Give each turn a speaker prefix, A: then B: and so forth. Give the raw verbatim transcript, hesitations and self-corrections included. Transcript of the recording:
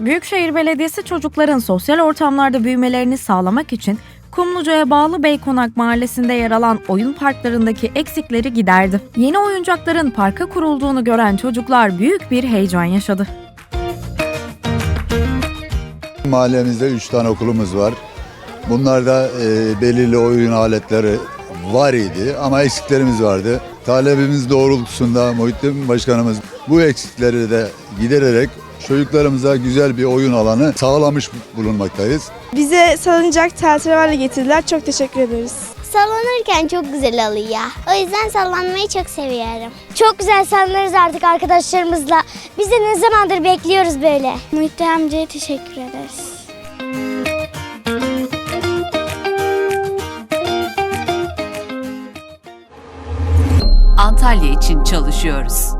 A: Büyükşehir Belediyesi çocukların sosyal ortamlarda büyümelerini sağlamak için Kumluca'ya bağlı Beykonak Mahallesi'nde yer alan oyun parklarındaki eksikleri giderdi. Yeni oyuncakların parka kurulduğunu gören çocuklar büyük bir heyecan yaşadı.
B: Mahallemizde üç tane okulumuz var. Bunlarda e, belirli oyun aletleri var idi ama eksiklerimiz vardı. Talebimiz doğrultusunda Muhittin Başkanımız bu eksikleri de gidererek çocuklarımıza güzel bir oyun alanı sağlamış bulunmaktayız.
C: Bize salıncak, tahterevalli getirdiler. Çok teşekkür ederiz.
D: Sallanırken çok güzel oluyor. O yüzden sallanmayı çok seviyorum. Çok güzel sallanırız artık arkadaşlarımızla. Biz de ne zamandır bekliyoruz böyle. Muhittin amcaya teşekkür ederiz.
E: Antalya için çalışıyoruz.